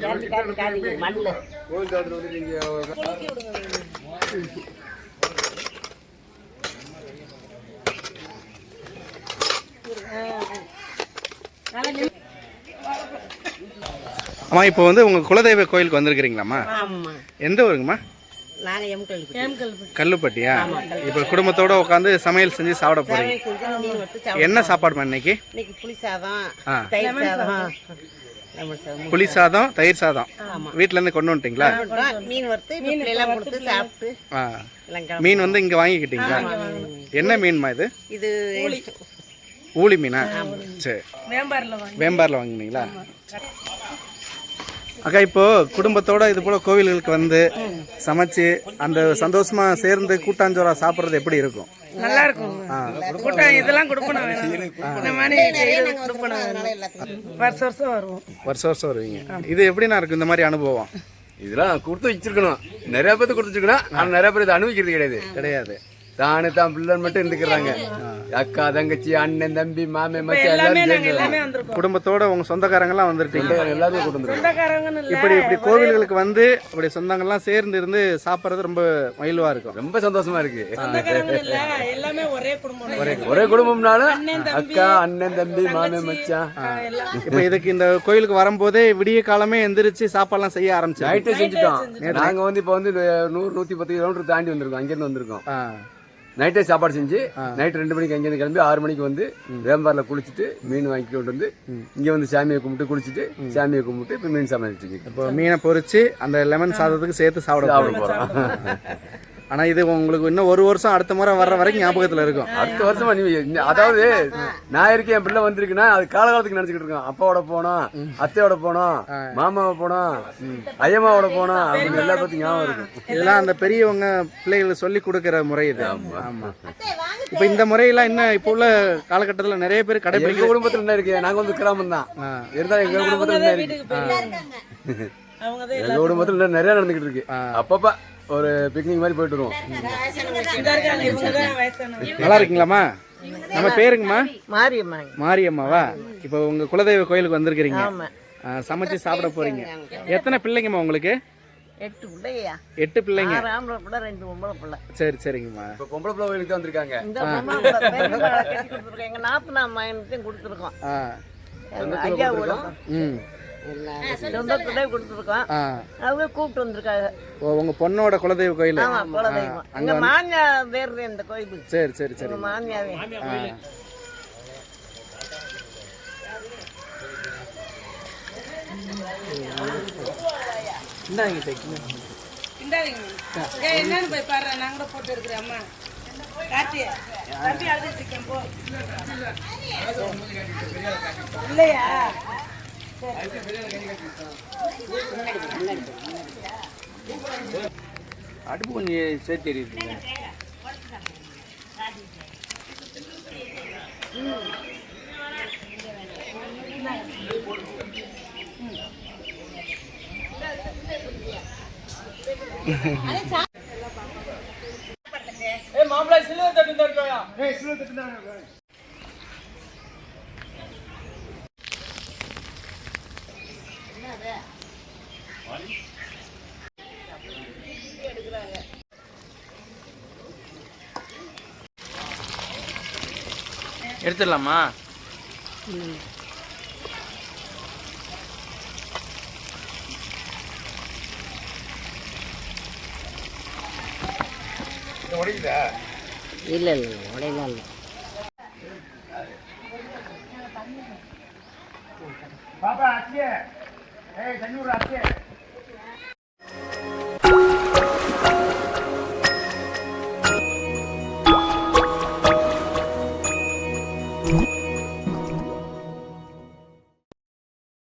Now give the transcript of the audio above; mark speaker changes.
Speaker 1: அம்மா இப்போ வந்து உங்கள் குலதெய்வ கோயிலுக்கு வந்திருக்கிறீங்களாம்மா? எந்த ஊருங்கம்மா? கல்லுப்பட்டியா? இப்போ குடும்பத்தோட உட்காந்து சமையல் செஞ்சு சாப்பிட போறீங்க. என்ன சாப்பாடுமா இன்னைக்கு? புளி சாதம், தயிர் சாதம் வீட்டுல இருந்து கொண்டு வந்துட்டீங்களா? மீன் வந்து இங்க வாங்கிக்கிட்டீங்களா? என்ன மீன்மா இது? ஊளி மீனா? சரி, வேம்பாரில் வாங்கினீங்களா? அக்கா, இப்போ குடும்பத்தோட இது போல கோவில்களுக்கு வந்து சமைச்சு அந்த சந்தோஷமா சேர்ந்து கூட்டாஞ்சோறா சாப்பிட்றது எப்படி இருக்கும்?
Speaker 2: நல்லா இருக்கும். இதெல்லாம் கொடுக்கணும். வருஷம் வருவோம்.
Speaker 1: வருஷம் வருவீங்க. இது எப்படின்னா இருக்கும் இந்த மாதிரி அனுபவம்?
Speaker 3: இதெல்லாம் கொடுத்து வச்சிருக்கணும். நிறைய பேருக்கு கொடுத்து வச்சிருக்கணும். ஆனால் நிறைய பேர் இதை அனுபவிக்கிறது கிடையாது. தானே தான் பிள்ளைன்னு மட்டும் இருந்துக்கிறாங்க. அக்கா, தங்கச்சி, அண்ணன், தம்பி, மாமே, மச்சான் எல்லாரும்
Speaker 1: குடும்பத்தோட உங்க சொந்தக்காரங்க எல்லாம் வந்துருக்கீங்க.
Speaker 3: எல்லாரும் கொண்டு
Speaker 1: இப்படி கோவில்களுக்கு வந்து அப்படி சொந்தங்கள்லாம் சேர்ந்து இருந்து சாப்பிட்றது ரொம்ப மகிழ்வா இருக்கும்.
Speaker 3: ரொம்ப சந்தோஷமா இருக்கு. ஒரே குடும்பம்னாலும் அக்கா, அண்ணன், தம்பி, மாமே, மச்சான்.
Speaker 1: இப்ப இதுக்கு இந்த கோயிலுக்கு வரும்போதே விடிய காலமே எந்திரிச்சு சாப்பாடுலாம் செய்ய ஆரம்பிச்சு
Speaker 3: நைட்டே செஞ்சுட்டோம். நாங்க வந்து இப்ப வந்து 100-110 கிலோமீட்டர் தாண்டி வந்திருக்கோம். அங்கிருந்து வந்திருக்கோம். நைட்டே சாப்பாடு செஞ்சு நைட் 2 மணிக்கு அங்கேருந்து கிளம்பி 6 மணிக்கு வந்து வேம்பாரில் குளிச்சுட்டு மீன் வாங்கிட்டு வந்து இங்கே வந்து சாமியை கும்பிட்டு குளிச்சுட்டு சாமியை கும்பிட்டு இப்போ மீன் சமைச்சிட்டு
Speaker 1: இப்போ மீனை பொரிச்சு அந்த லெமன் சாதத்துக்கு சேர்த்து சாப்பிட போகிறோம். ஆனா இது உங்களுக்கு இன்னும் 1 வருஷம் அடுத்த முறை வர்ற வரைக்கும் ஞாபகத்துல இருக்கும்.
Speaker 3: அடுத்த வருஷமா அதாவது நான் இருக்கேன், என் பிள்ளை வந்திருக்குன்னா அது காலகாலத்துக்கு நினைச்சுக்கிட்டு இருக்கோம். அப்பாவோட போனோம், அத்தையோட போனோம், மாமாவை போனோம், ஐயம்மாவோட போனோம் அப்படின்னு எல்லா பத்தியும் ஞாபகம் இருக்கும்.
Speaker 1: இதெல்லாம் அந்த பெரியவங்க பிள்ளைகளுக்கு சொல்லி கொடுக்கிற முறை இது. ஆமா. இப்ப இந்த முறையெல்லாம் இன்னும் இப்ப உள்ள காலகட்டத்துல நிறைய பேர் கடைபிடிக்க.
Speaker 3: எங்க குடும்பத்துல என்ன இருக்கு? நாங்க வந்து கிராமம் தான் இருந்தாலும் எங்க குடும்பத்துல என்ன இருக்கு? எங்க குடும்பத்துல நிறைய நடந்துகிட்டு இருக்கு. அப்பப்ப ஒரு பிக்னிக் மாதிரி போயிட்டு வருவோம்.
Speaker 1: நல்லா இருக்கீங்களாம்மா? நம்ம பேருங்கம்மா?
Speaker 2: மாரியம்மா.
Speaker 1: மாரியம்மாவா? இப்போ உங்க குலதெய்வ கோயிலுக்கு வந்திருக்கிறீங்க, சமைச்சு சாப்பிட போறீங்க. எத்தனை பிள்ளைங்கம்மா உங்களுக்கு?
Speaker 2: 8 பிள்ளையா?
Speaker 1: 8 பிள்ளைங்க.
Speaker 2: 6 ஆம்பளை பிள்ளை, 2 பொம்பளை பிள்ளை.
Speaker 1: சரி, சரிங்கம்மா.
Speaker 3: இப்போ பொம்பளை பிள்ளை கோயிலுக்கு தான் வந்திருக்காங்க.
Speaker 2: இந்த பொம்பளை பிள்ளை கட்டி கொடுத்துருக்கோம். எங்க நாத்தனா மகனுக்கும் கொடுத்துருக்கோம். ஐயா சொந்தத்திலே கொடுத்துருக்கோம். அவங்க கூப்பிட்டு வந்திருக்காங்க.
Speaker 1: உங்க பொண்ணோட குலதெய்வ கோயில்?
Speaker 2: ஆமா, குலதெய்வம். எங்க மாமியா பேர் இந்த கோயில்.
Speaker 1: சரி, சரி, சரி.
Speaker 2: மாமியாவே என்னன்னு போய் பாரு. நாங்க கூட போட்டு இருக்கிறேன். அம்மா காட்டி தம்பி அழுதுட்டு இருக்கேன். போ இல்லையா?
Speaker 1: அடுப்பு கொஞ்சம் சேர்த்து எரியுது.
Speaker 3: மாப்பிள்ளை சிலுவை தட்டு தட்டுவாயா? சிலுவை தட்டு.
Speaker 1: எடுத்துடலாமா?
Speaker 3: உடையுதா?
Speaker 2: இல்ல இல்ல, உடையலாம் இல்லை.
Speaker 3: பாப்பா அத்தியே, தண்ணி விடுற அத்தியே.